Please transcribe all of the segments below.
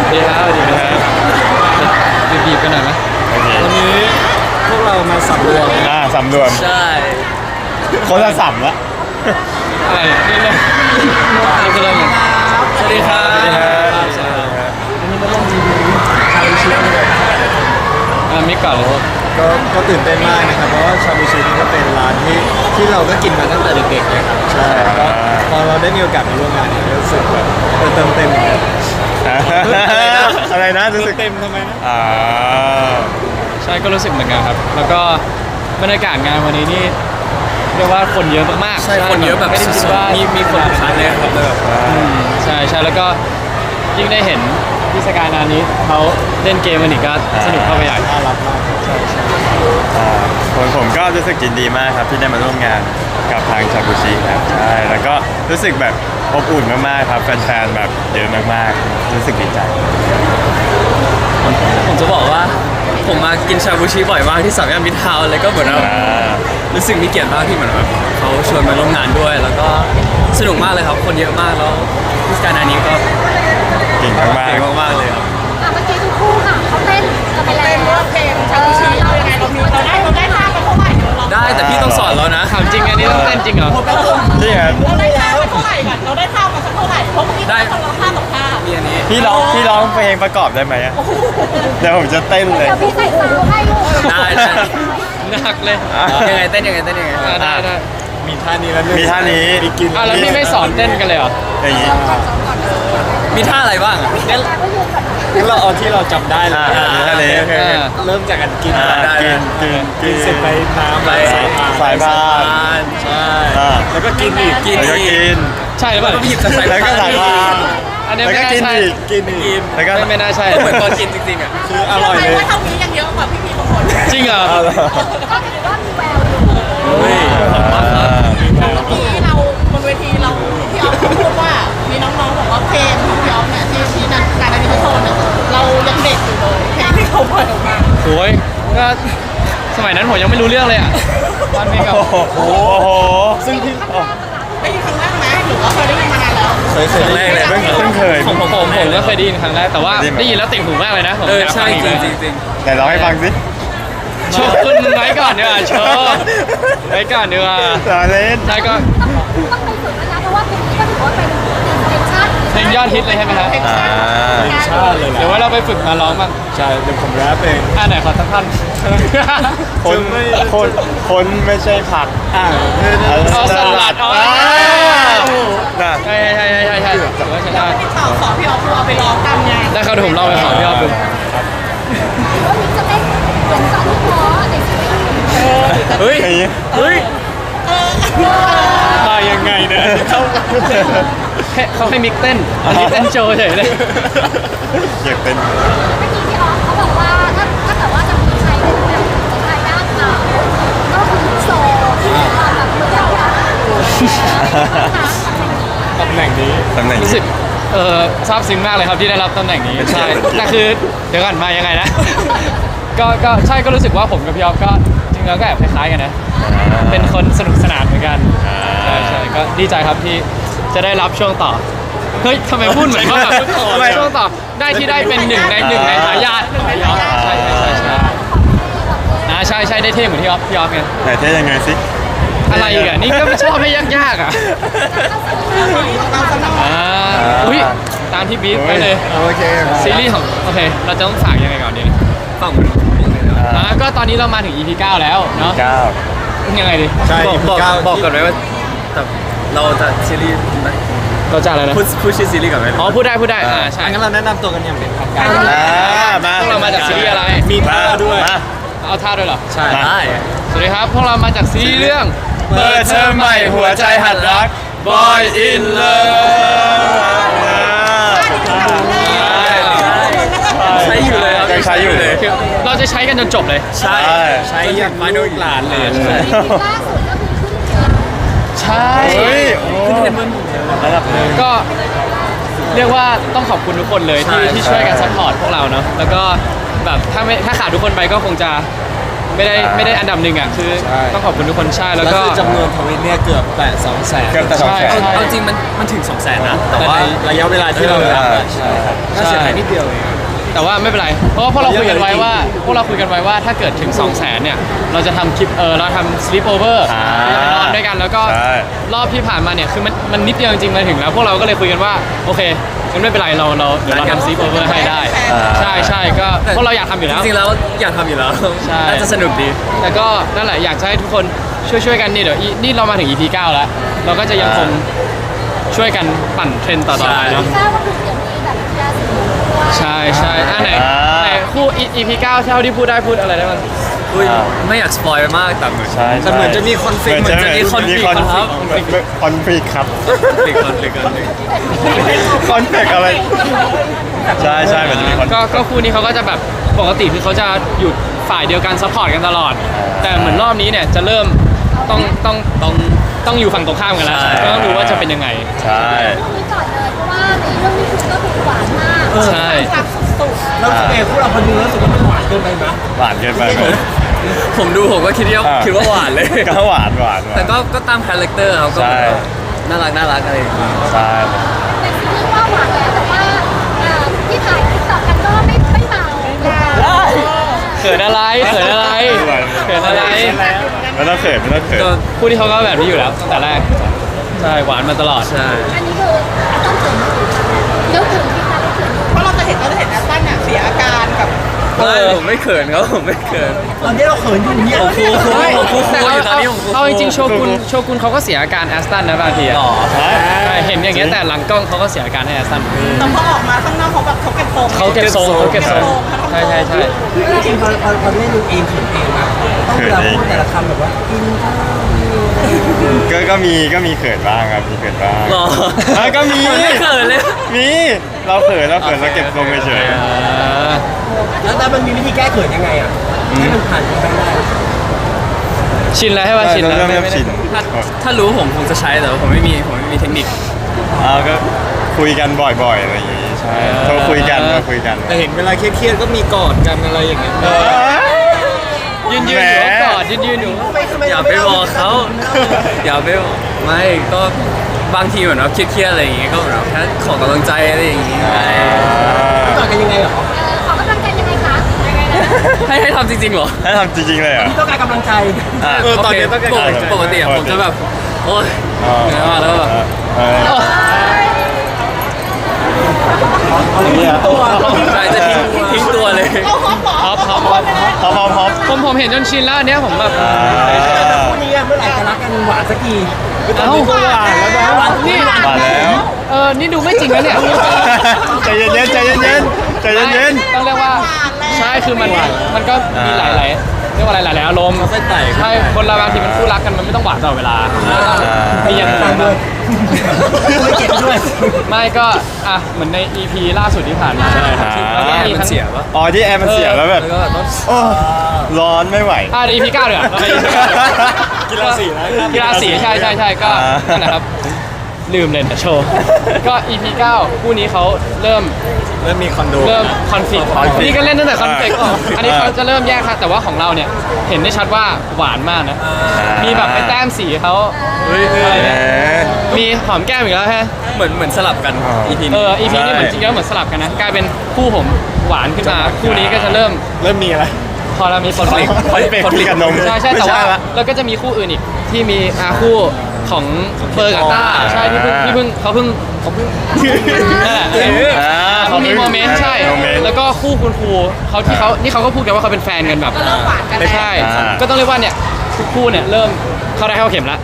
ดีครับดีครับบีบกันหน่อยไหมวันนี้พวกเรามาสำรวมสำรวมใช่คนละสำละอะไรนี่เลยนี่คือเรื่องสวัสดีครับสวัสดีครับวันนี้มาเล่นจีบีชาบูชิมิกก่อนเลยก็ตื่นเต้นมากนะครับเพราะว่าชาบูชินี่ก็เป็นร้านที่เราก็กินมาตั้งแต่เด็กๆนะครับใช่ก็พอเราได้มีโอกาสมาร่วมงานเนี่ยรู้สึกแบบเติมเต็มอะไรนะรู้สึกเต็มทำไมนะใช่ก็รู้สึกเหมือนกันครับแล้วก็บรรยากาศงานวันนี้นี่เรียกว่าคนเยอะมากๆใช่คนเยอะแบบไม่ได้คิดว่ามีคนขายเลยครับใช่แล้วก็ยิ่งได้เห็นพี่สกายนานี้เขาเล่นเกมมันอีกก็สนุกเข้าไปใหญ่น่ารักมากใช่ผมก็รู้สึกยินดีมากครับที่ได้มาร่วมงานกับทางชาบูชิครับใช่แล้วก็รู้สึกแบบอบอุ่นมากๆครับแฟนๆแบบเยอะมากๆรู้สึกดีใจผมจะบอกว่าผมมากินชาบูชิบ่อยมากที่สามย่านมิตรทาวน์เลยก็เหมือนว่ารู้สึกมีเกียรติมากที่เหมือนแบบเขาชวนมาร่วมงานด้วย แล้วก็สนุกมากเลยครับคนเยอะมากแล้วพิสการนานี้ก็เก่งมากเก่งมากๆเลยครับเมื่อกี้ทุกคู่ค่ะเขาเต้นกันไปแล้วเพลงชาบูชิเรายังไงเราได้ท่ากันเท่าไหร่เราได้แต่พี่ต้องสอนแล้วนะถามจริงอันนี้ต้องเต้นจริงเหรอๆนี่ครับเราได้ท่ากันเท่าไหร่กันเราได้ท่ามาสักเท่าไหร่เพราะเมื่อกี้เราท่ากับท่ามีอันนี้พี่ร้องเพลงประกอบได้ไหมอะเดี๋ยวผมจะเต้นเลยเดี๋ยวพี่ใส่ซาวให้ลูกได้หนักเลยยังไงเต้นยังไงเต้นยังไงได้มีท่านี้แล้วมีท่านี้มีกินแล้วพี่ไม่สอนเต้นกันเลยเหรออย่างนี้มีท่าอะไรบ้างอ่ะงั้นเราเอาที่เราจำได้เลยมีท่านี้โอเคเริ่มจากการกินได้กินเสร็จไปน้ำไปสายพานใช่แล้วก็กินอีกกินแล้วก็กินใช่หรือเปล่าแล้วก็หยิบจากสายแล้วก็สายพานอันนี้แล้วไม่ก็น่ากินใช่อีกกินอีกแล้วก็ไม่น่าใช่เหมือนตอนกินจริงๆอ่ะคืออร่อยเลยว่าเท่านี้ยังเยอะกว่าพี่ๆบางคนจริงเหรอก็ถือว่ามีแววอยู่เฮ้ยขอบคุณครับเมื่อกี้เราบนเวทีเราพี่ออฟเขาพูดว่ามีน้องๆบอกว่าเพลงของพี่ออฟเนี่ยที่นั่นการอันนี้เขาโชว์เนี่ยเรายังเด็กอยู่เลยเพลงที่เขาปล่อยออกมาโอ้ยก็สมัยนั้นผมยังไม่รู้เรื่องเลยอ่ะตอนเพลงกับโอ้โหซึ่งที่ได้ยินครั้งแรกไหมหรือว่าเคยได้ยินมานานแล้วเคยครั้งแรกเลยเพิ่งเคยผมก็เคยได้ยินครั้งแรกแต่ว่าได้ยินแล้วติดหูมากเลยนะผมเอออยากใช่ฟังอีกจเลยริงจริงแต่ร้องให้ฟังสิโชว์ขึ้นไว้ก่อนดีกว่าโชว์ไว้ก่อนดีกว่าต่อเล่นใช่ก็ต้องไปฝึกแล้วนะเพราะว่าเพลงนี้ก็ถือว่าเป็นเพลงชาติเพลงยอดฮิตเลยใช่ไหมครับชาติเลยเดี๋ยวว่าเราไปฝึกมาร้องบ้างใช่เดี๋ยวผมแรปเองไหนขอสักท่อนคนไม่ใช่ผักเอาสลัดอ๋อน่ะใช่ถือว่าใช้ได้ที่สอนพี่ออฟเอาไปร้องตามงานได้ครับเดี๋ยวผมลองไปขอพี่ออฟดูว่ามิกจะเต้นเหมือนตอนที่พอในซีรีส์เฮ้ยอย่างนี้เฮ้ยมายังไงเนี่ยเขาให้มิกเต้นอันนี้เต้นโชว์เฉยเลยอยากเป็นเมื่อกี้พี่ออฟเขาบอกว่าถ้าเกิดว่าจะมีใครเป็นแบบจะทายาทเขาก็คือโซที่มีความแบบเหมือนเราอะตำแหน่งนี้ตำแหน่งรู้นี้สึกซาบซึ้งมากเลยครับที่ได้รับตำแหน่งนี้ใช่แต่คือเดี๋ยวก่อนมายังไงนะ ก็ใช่ก็รู้สึกว่าผมกับพี่ออฟก็จริงๆแล้วก็แอบคล้ายๆกันนะเป็นคนสนุกสนานเหมือนกันใช่ก็ดีใจครับที่จะได้รับช่วงต่อเฮ้ยทำไมพูดเหมือนว่าแบบช่วงต่อได้ที่ได้เป็นหนึ่งในทายาทพี่ออฟใช่ใช่ได้เท่เหมือนพี่ออฟไงไหนเท่ยังไงสิอะไรอีกอ่ะนี่ก็ไม่ชอบให้ยากๆอ่ะอุ้ยตามที่บีฟไปเลยโอเคซีรีส์ของโอเคเราจะต้องฝากยังไงก่อนดีฝั่งมันเลยนะก็ตอนนี้เรามาถึง EP 9 แล้วเนาะ 9 ยังไงดีใช่บอกก่อนไหมว่าแต่เราจะซีรีส์เราจะอะไรนะพูดชื่อซีรีส์ก่อนไหมอ๋อพูดได้ใช่งั้นเราแนะนำตัวกันอย่างเป็นทางการมาพวกเรามาจากซีรีส์อะไรมีท่าด้วยมาเอาท่าด้วยเหรอใช่ได้สวัสดีครับพวกเรามาจากซีรีส์เรื่องเปิดเทอมใหม่หัวใจหัดรัก Boy in Love ใช้อยู่เลยครับยังใช้อยู่เลยคือเราจะใช้กันจนจบเลยใช่ใช้อย่างลูกหลานเลยล่าสุดก็คือขึ้นเทรนด์ใช่เฮ้ยขึ้นเทรนด์ระดับหนึ่งก็เรียกว่าต้องขอบคุณทุกคนเลยที่ช่วยกันซัพพอร์ตพวกเราเนาะแล้วก็แบบถ้าขาดทุกคนไปก็คงจะไม่ได้อันดับหนึ่งอ่ะคือใช่ต้องขอบคุณทุกคนใช่แล้วแล้วก็คือจำนวนทวิตเนี่ยเกือบแตะ200,000 เกือบจะ200,000 ใช่ใช่เอาจริงมันถึง 200,000 นะ แต่แต่ว่าในระยะเวลาที่เรารับอะใช่ครับน่าเสียดายนิดเดียวเองแต่ว่าไม่เป็นไร เพราะว่าพวกเราคุยกันไว้ว่าถ้าเกิดถึง 200,000เนี่ยเราจะทำคลิปเราทำ sleep over เราจะไปนอนด้วยกันแล้วก็ใช่รอบที่ผ่านมาเนี่ยคือมันนิดเดียวจริงๆมาถึงแล้วพวกเราก็เลยคุยกันว่าโอเคงั้นไม่เป็นไรเราเดี๋ยวเราทำ sleep over ให้ได้ใช่ก็พวกเราอยากทำอยู่แล้วจริงๆแล้วอยากทำอยู่แล้วใช่น่าจะสนุกดีแต่ก็นั่นแหละอยากจะให้ทุกคนช่วยกันนี่เดี๋ยวนี่เรามาถึง EP 9 แล้ว เราก็จะยังคงช่วยกันปั่นเทรนด์ต่อๆไปเนาะทราบว่าคือเดี๋ยวมีแบบกีฬาสีด้วยใช่ไหนคู่ EP 9เท่าที่พูดได้พูดอะไรได้บ้างอุ้ยไม่อยากสปอยมากแต่เหมือนใช่แต่เหมือนจะมีคอนฟ lict เหมือนจะมีคอนฟลิกต์ครับคอนฟ lict ครับติดคนติดคนติดคอนฟ lict อะไรใช่เหมือนจะมีคอนก็คู่นี้เขาก็จะแบบปกติคือเขาจะอยู่ฝ่ายเดียวกันซัพพอร์ตกันตลอด แต่เหมือนรอบนี้เนี่ยจะเริ่มต้องอยู่ฝั่งตรงข้ามกันแล้วก็ต้องดูว่าจะเป็นยังไงใช่เรื่องนี้ก่อนเลยเพราะว่าในเรื่องนี้คือก็คือหวานมากใช่สักสุดแล้วเอ๋พวกเราพอดูแล้วรู้สึกว่ามันหวานเกินไปไหมหวานเกินไปไหมผมดูผมก็คิดว่าหวานเลยก็หวานแต่ก็ตามคาแรคเตอร์เขาก็ใช่น่ารักอะไรอย่างเงี้ยใช่แต่ซีรีส์ว่าหวานแล้วแต่ว่าที่ถ่ายติ๊กต็อกกันก็ไม่เบาเขินอะไรเขินอะไรเขินอะไรไม่ต้องเขินก็คู่ที่เขาก็แบบนี้อยู่แล้วตั้งแต่แรกใช่หวานมาตลอดใช่อันนี้คือต้องถึงแล้วถึงที่จะแล้วถึงเพราะเราจะเห็นแอสตันเนี่ยเสียอาการกับผมไม่เขินเขาผมไม่เขินตอนนี้เราเขินอยู่เนี่ยผมคู่แต่อยู่ตอนนี้ผมคู่เอาจริงๆโชกุนเขาก็เสียอาการแอสตันนะบางทีอะหรอใช่เห็นอย่างเงี้ยแต่หลังกล้องเขาก็เสียอาการให้แอสตันแต่พอออกมาข้างนอกเขาแบบเขาเก็บทรงเขาเก็บทรงใช่จริงๆพอได้ดูเองเขียนเองนะต้องเวลาพูดแต่ละคำแบบว่ากินข้าวก็มีเขินบ้างครับมีเขินบ้างหรอก็มีผมไม่เขินเลยมีเราเขินเราเก็บทรงเฉยแล้วมันมีวิธีแก้เขินยังไงอ่ะให้มันผ่านไปได้ชินแล้วใช่ป่ะชินแล้วเริ่มไม่ชินถ้ารู้ผมคงจะใช้แต่ว่าผมไม่มีเทคนิคก็คุยกันบ่อยๆอะไรอย่างงี้ใช่โทรคุยกันแต่เห็นเวลาเครียดๆก็มีกอดกันอะไรอย่างเงี้ยยืนอยู่ก็กอดยืนอยู่อย่าไปบอกเขาอย่าไปบอกไม่ก็บางทีเหมือนว่าเครียดๆอะไรอย่างเงี้ยก็แบบแค่ขอกำลังใจอะไรอย่างเงี้ยต่อกันยังไงเหรอขอกำลังใจยังไงคะยังไงนะให้ทำจริงๆเหรอให้ทำจริงๆเลยเหรอต้องการกำลังใจตอนนี้ต้องการปกติอะผมจะแบบโอ๊ยเหนื่อยมากแล้วก็แบบตัวใช่จะทิ้งตัวเลยเขาฮอปหมอฮอปฮอปผมเห็นจนชินแล้วอันเนี้ยผมแบบคู่นี้เมื่อไหร่จะรักกันหวานสักทีเอ้าหวานแล้วนะนี่มาแล้วนี่ดูไม่จริงนะเนี่ยใจเย็นต้องเรียกว่าใช่คือมันก็มีหลายเรียกว่าหลายอารมณ์เส้นไต่ใช่คนเราบางทีมันคู่รักกันมันไม่ต้องหวานตลอดเวลามีอย่างอื่นด้วยไม่เก็บด้วยไม่ก็เหมือนใน EP ล่าสุดที่ผ่านมาใช่ครับแล้วก็มีมันทั้งเสียปะอ๋อที่แอร์มันเสียแล้วแบบแล้วก็แบบต้องโอ้ร้อนไม่ไหวเดี๋ยว EP 9เดี๋ยวเราไป EP 9 กีฬาสีนะกีฬาสีใช่ก็นั่นนะครับลืมเลยนะโชว์ก็ EP 9คู่นี้เขาเริ่มมีคอนโดคอนฟ lict นี่ก็เล่นตั้งแต่คอนฟ lict อันนี้เขาจะเริ่มแยกค่ะแต่ว่าของเราเนี่ยเห็นได้ชัดว่าหวานมากนะมีแบบไปแต้มสีเขาอะไรเนี่ยมีหอมแก้มอีกแล้วฮะเหมือนสลับกัน EP นี้ EP นี้เหมือนจริงๆแล้วเหมือนสลับกันนะกลายเป็นคู่ผมหวานขึ้นมาคู่นี้ก็จะเริ่มมีอะไรพอเรามีคอนฟ lict คอนเฟกต์กับนมใช่แต่ว่าละแล้วก็จะมีคู่อื่นอีกที่มีคู่ของเบอร์กับต้าใช่ที่เพิ่งเขาเพิ่งนั่นแหละเขามีโมเมนต์ใช่โมเมนต์แล้วก็คู่คุณครูนี่เขาก็พูดกันว่าเขาเป็นแฟนกันแบบก็เริ่มหวานกันแล้วใช่ก็ต้องเรียกว่าเนี่ยทุกคู่เนี่ยเริ่มเข้าได้เข้าเข็มแล้ว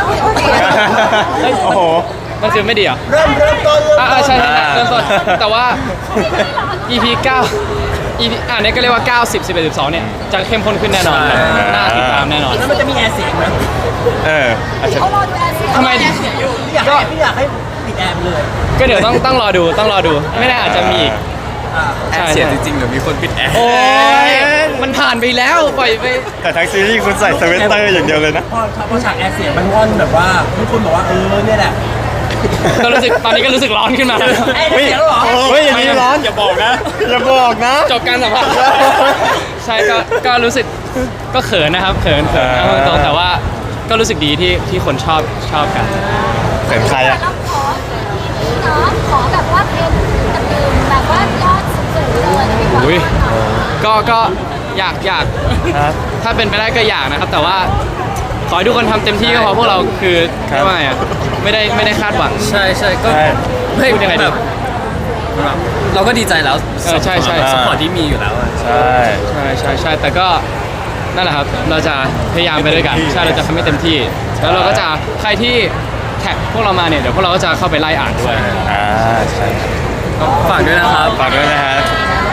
โอ้โหมันคือไม่ดีเหรอเริ่มต้นใช่เริ่มต้นแต่ว่า EP 9 EP เนี่ยก็เรียกว่า 9 10 11 12เนี่ยจะเข้มข้นขึ้นแน่นอนแบบน่าติดตามแน่นอนแล้วมันจะมีแอร์เสียงไหมอาจจะเขารอดูแอร์เสียทำไมพี่อยากให้ปิดแอร์ไปเลยก็เดี๋ยวต้องรอดูไม่แน่อาจจะมีอีกแอร์เสียจริงๆเดี๋ยวมีคนปิดแอร์โอ้ยมันผ่านไปแล้วปล่อยไปแต่ทั้งซีรีส์คุณใส่สเวตเตอร์อย่างเดียวเลยนะพอฉากแอร์เสียงมันงอนแบบว่าทุกคนบอกว่าเนี่ยแหละก็รู้สึกตอนนี้ก็รู้สึกร้อนขึ้นมาแล้วเฮ้ยเฮ้ยอย่างนี้ร้อนอย่าบอกนะอย่าบอกนะจบการสัมภาษณ์ใช่ก็รู้สึกก็เขินนะครับเขินเอาตรงๆแต่ว่าก็รู้สึกดีที่คนชอบกันเขินใครอะเราขอที่เนาะขอแบบว่าเพลงตื่นแบบว่ายอดสูงๆเลยนะพี่บอลอุ้ยก็อยากครับถ้าเป็นไปได้ก็อยากนะครับ แต่ว่าขอให้ทุกคนทำเต็มที่ก็พอพวกเราคือครับเรียกว่าไงอ่ะไม่ได้คาดหวังใช่ก็ใช่ไม่พูดยังไงดีแบบเราก็ดีใจแล้วใช่สปอร์ตที่มีอยู่แล้วอะใช่ใช่แต่ก็นั่นแหละครับเราจะพยายามไปด้วยกันใช่เราจะทำให้เต็มที่ แล้วเราก็จะใครที่แท็กพวกเรามาเนี่ยเดี๋ยวพวกเราก็จะเข้าไปไล่อ่านด้วยใช่ก็ฝากด้วยนะครับฝากด้วยนะฮะ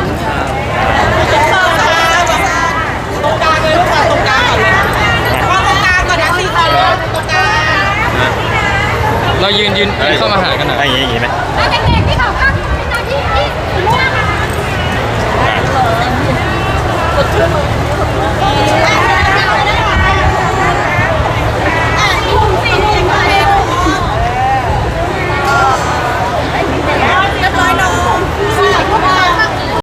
ตรงกลางเลยลูกมาตรงกลางก่อนเลยว่าตรงกลางก่อนนะสี่คนเลยตรงกลางเรายืนเข้ามาหากันหน่อยอย่างนี้ไหมแล้วเด็ก